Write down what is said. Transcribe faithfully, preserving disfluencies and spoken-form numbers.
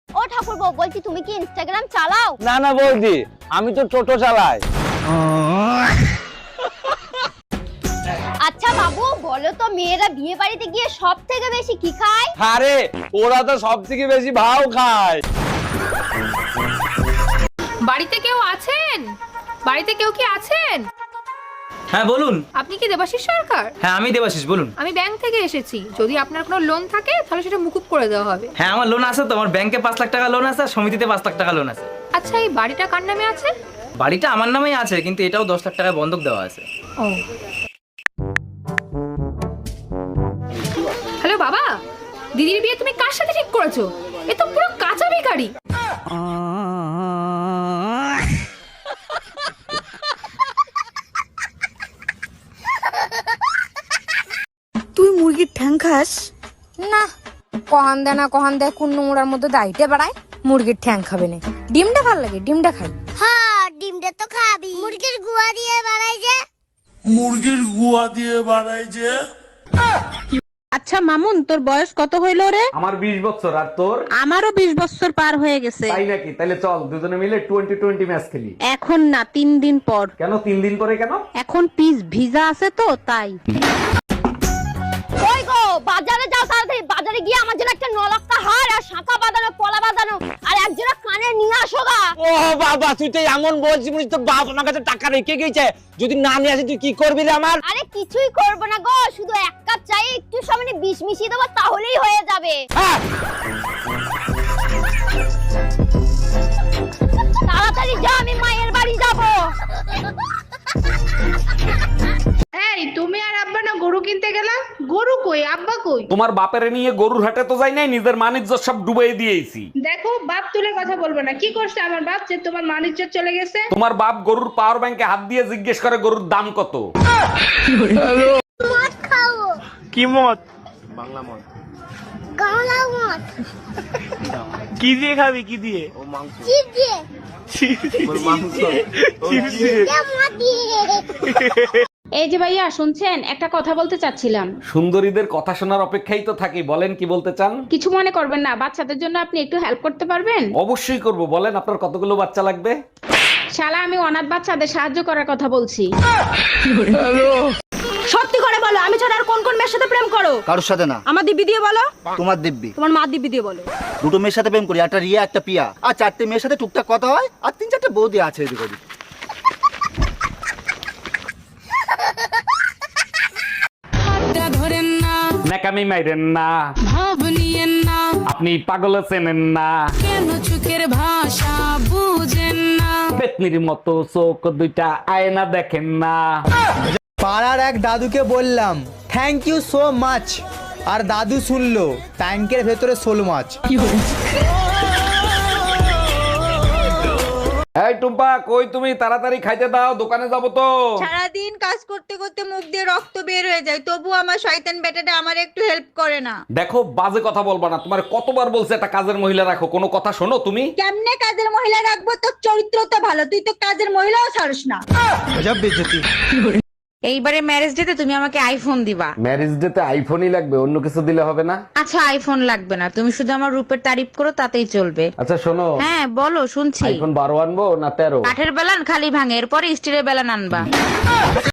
ও ঠাকুরপো, বলছি তুমি কি ইনস্টাগ্রাম চালাও? না না বৌদি, আমি তো টোটো চালাই। আচ্ছা বাবু, বলো তো মেয়েরা বিয়ে বাড়িতে গিয়ে সব থেকে বেশি কি খায়? আরে ওরা তো সব থেকে বেশি ভাও খায়। বাড়িতে কেউ আছেন? বাড়িতে কেউ কি আছেন? হ্যাঁ বলুন। আপনি কি দেবাশিস সরকার? হ্যাঁ আমি দেবাশিস, বলুন। আমি ব্যাংক থেকে এসেছি, যদি আপনার কোনো লোন থাকে তাহলে সেটা মুকুব করে দেওয়া হবে। হ্যাঁ আমার লোন আছে তো, আমার ব্যাংকে পাঁচ লাখ টাকা লোন আছে আর সমিতিতে পাঁচ লাখ টাকা লোন আছে। আচ্ছা, এই বাড়িটা কার নামে আছে? বাড়িটা আমার নামেই আছে, কিন্তু এটাও দশ লাখ টাকা বন্ধক দেওয়া আছে। ও, হ্যালো বাবা, দিদির বিয়ে তুমি কার সাথে ঠিক করেছো? এ তো পুরো কাঁচা বেকারি। তুই মুরগির ঠ্যাং খাস? না, কহান দেয় না কহান দেয় কোন নোংরার মধ্যে দাইতে বেড়ায়। মুরগির ঠ্যাং খাবে না, ডিমটা ভাল লাগে, ডিমটা খাই। হ্যাঁ, ডিমটা তো খাবি। মুরগির গুয়া দিয়ে বানাই যে। মুরগির গুয়া দিয়ে বানাই যে। আচ্ছা মামুন, তোর বয়স কত হইল রে? আমার বিশ বছর, আর তোর? আমারও বিশ বছর পার হয়ে গেছে। তাই নাকি? তাহলে চল দুজনে মিলে টোয়েন্টি টোয়েন্টি ম্যাচ খেলি। এখন না, তিন দিন পর। কেন তিন দিন পরে কেন? এখন পিস ভিজা আছে তো তাই। ওই গো, বাজারে যাও তাড়াতাড়ি। বাজারে গিয়ে আমার জন্য একটা নলক্কা হার আর শাঁখা বাঁধানো, পলা বাঁধানো আর একজোড়া কানের নিয়ে আসো গা। ও বাবা, তুই তো এমন বলছিস মনে হচ্ছে তোর বাপ আমার কাছে টাকা রেখে গেছে। যদি না নিয়ে আসে তুই কি করবি রে আমার? আরে কিছুই করবো না গো, শুধু এক কাপ চাই, একটু সামনে বিষ মিশিয়ে দেবো, তাহলেই হয়ে যাবে। হ্যাঁ। তাড়াতাড়ি যা, আমি মায়ের বাড়ি যাবো। এই তুমি আর আব্বা না গরু কিনতে গেলা? গরু কই, আব্বা কই? তোমার বাপের নিয়ে গরুর হাটে তো যাই নাই, নিজের মানিজ্য সব ডুবাই দিয়েছি। দেখো, বাপ তুলে কথা বলবো না। কি করছে আমার বাপ যে তোমার মানিজ্য চলে গেছে? তোমার বাপ গরুর পাওয়ার ব্যাংকে হাত দিয়ে জিজ্ঞেস করে গরুর দাম কত। মদ খাবো। কি মদ? বাংলা মদ। গাওলা মদ। কি দিয়ে খাবি? কি দিয়ে? চিপ দিয়ে। মাংস। চিপস দিয়ে। মদ দিয়ে। এই যে ভাইয়া শুনছেন, একটা কথা বলতে চাচ্ছিলাম। সুন্দরীদের কথা শোনার অপেক্ষাই তো থাকি, বলেন কি বলতে চান? কিছু মনে করবেন না, বাচ্চাদের জন্য আপনি একটু হেল্প করতে পারবেন? অবশ্যই করব, বলেন আপনার কতগুলো বাচ্চা লাগবে? শালা, আমি অনাথ বাচ্চাদের সাহায্য করার কথা বলছি। সত্যি করে বলো, আমি ছাড়া আর কোন কোন মেয়ের সাথে প্রেম করো? কারোর সাথে না। আমার দিব্যি দিয়ে বলো। তোমার দিব্যি। তোমার মা দিব্যি দিয়ে বলো। দুটো মেয়ের সাথে প্রেম করি, একটা রিয়া একটা পিয়া, আর চারটে মেয়ের সাথে টুকটাক কথা হয়, আর তিন চারটে বৌদি আছে এদিক ওদিক। ন্যাকামি মাইরেন না, আপনি পাগল চেনেন না, পেতনির মতো চোখ দুইটা আয়না দেখেন না। পাড়ার এক দাদুকে বললাম থ্যাংক ইউ সো মাচ, আর দাদু শুনলো ট্যাঙ্কের ভেতরে শোল মাছ। এই টুম্পা, কই তুমি? তাড়াতাড়ি খাইতে দাও, দোকানে যাবো তো। সারাদিন কাজ করতে করতে মুখ দিয়ে রক্ত বের হয়ে যায়, তবু আমার শয়তান বেটাটা আমার একটু হেল্প করে না। দেখো, বাজে কথা বলবা না। তোমার কতবার বলছে একটা কাজের মহিলা রাখো, কোনো কথা শোনো তুমি? কেমনে কাজের মহিলা রাখবো? তোর চরিত্র তো ভালো, তুই তো কাজের মহিলাও ছাড়স না। এইবারে ম্যারেজ ডেতে তুমি আমাকে আইফোন দিবা। ম্যারেজ ডে তে আইফোনই লাগবে, অন্য কিছু দিলে হবে না? আচ্ছা, আইফোন লাগবে না, তুমি শুধু আমার রূপের তারিফ করো, তাতেই চলবে। আচ্ছা শোনো। হ্যাঁ বলো, শুনছি। আইফোন বারো আনবো না তেরো? কাঠের বেলান খালি ভাঙে, এরপরে স্টিলের বেলান আনবা।